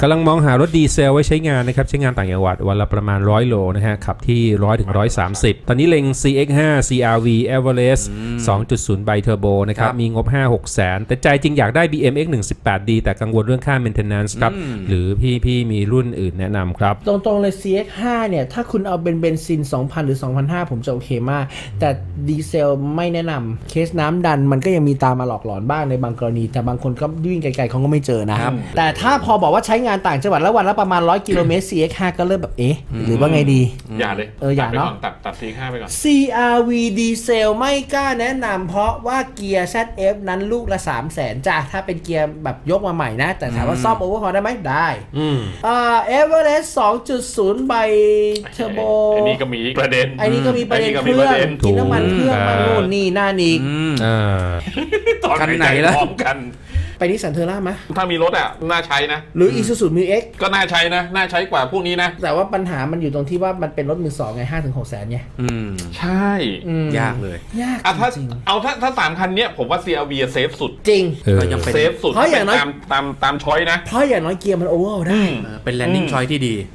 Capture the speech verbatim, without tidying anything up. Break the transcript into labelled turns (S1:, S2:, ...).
S1: กำลังมองหารถดีเซลไว้ใช้งานนะครับใช้งานต่างจังหวัดวันละประมาณหนึ่งร้อยโลนะฮะขับที่หนึ่งร้อยถึงหนึ่งร้อยสามสิบตอนนี้เล็ง ซี เอ็กซ์ ไฟว์ ซี อาร์ วี Everest สองจุดศูนย์ ไบเทอร์โบนะครับมีงบ ห้าหก แสนแต่ใจจริงอยากได้ บี เอ็ม เอ็กซ์ หนึ่งสิบแปดดี แต่กังวลเรื่องค่า maintenance ครับหรือพี่พี่มีรุ่นอื่นแนะนำครับ
S2: ตรงๆเลย ซี เอ็กซ์ ไฟว์ เนี่ยถ้าคุณเอาเป็นเบนซิน สองพัน หรือ สองพันห้าร้อย ผมจะโอเคมากแต่ดีเซลไม่แนะนำเคสน้ำดันมันก็ยังมีตามมาหลอกหลอนบ้างในบางกรณีแต่บางคนก็วิ่งไกลๆเขาก็ไม่เจอนะครับแต่ถ้าพอบอกว่าใช้งานต่างจังหวัดแล้ววันละประมาณหนึ่งร้อยกิโลเมตร ซี เอ็กซ์ ไฟว์ ก็เริ่มแบบเอ๊ะหรือว่าไงดี
S3: อย่าเลย
S2: เอออย่าเนาะ
S3: ตัดตัด ซี เอ็กซ์ ไฟว์ ไปก่อน
S2: ซี อาร์ วี ดีเซลไม่กล้าแนะนำเพราะว่าเกียร์ แซด เอฟ นั้นลูกละ สามแสนจ้ะถ้าเป็นเกียร์แบบยกมาใหม่นะแต่ถามว่าซ่อมโอเวอร์ฮอลได้ไหมได้
S1: อืม
S2: อ่า Everest สองจุดศูนย์ ไบเทอร์โบ
S3: อันนี้ก็มีประเด็น
S2: อันนี้ก็มีประเด็น
S3: อัน
S2: เค
S3: นี้ก็มี
S2: รื่
S3: ป
S2: อง
S3: ระเด็น
S2: กินน้ำมันเครื่องมานู่นนี่นั่นอีก
S1: อ่า
S3: ตอน
S4: คันไหนล่ะ
S3: พร้อมกัน
S2: ไปนิสสันเทอร่าไหม
S3: ถ้ามีรถอ่ะน่าใช้นะ
S2: หรือ Isuzu Mu X
S3: ก็น่าใช้นะน่าใช้กว่าพวกนี้นะ
S2: แต่ว่าปัญหามันอยู่ตรงที่ว่ามันเป็นรถมือสองไง ห้าถึงหก แสนไง
S4: อืม
S3: ใช่
S4: ยากเลย
S2: ยาก
S3: อ่ะถ้า
S2: จริง
S3: เอาถ้าถ้าสามคันเนี้ยผมว่า ซี อาร์ วี เซฟสุด
S2: จริง
S4: ก็ยังเป็น
S3: เซฟสุด
S2: เพราะอย่างน้อย
S3: ตามตามตามช้อยนะ
S2: เพราะอย่างน้อยเกียร์มันโอเวอร์ได้
S4: เป็นแลนดิ้งชอยที่ดี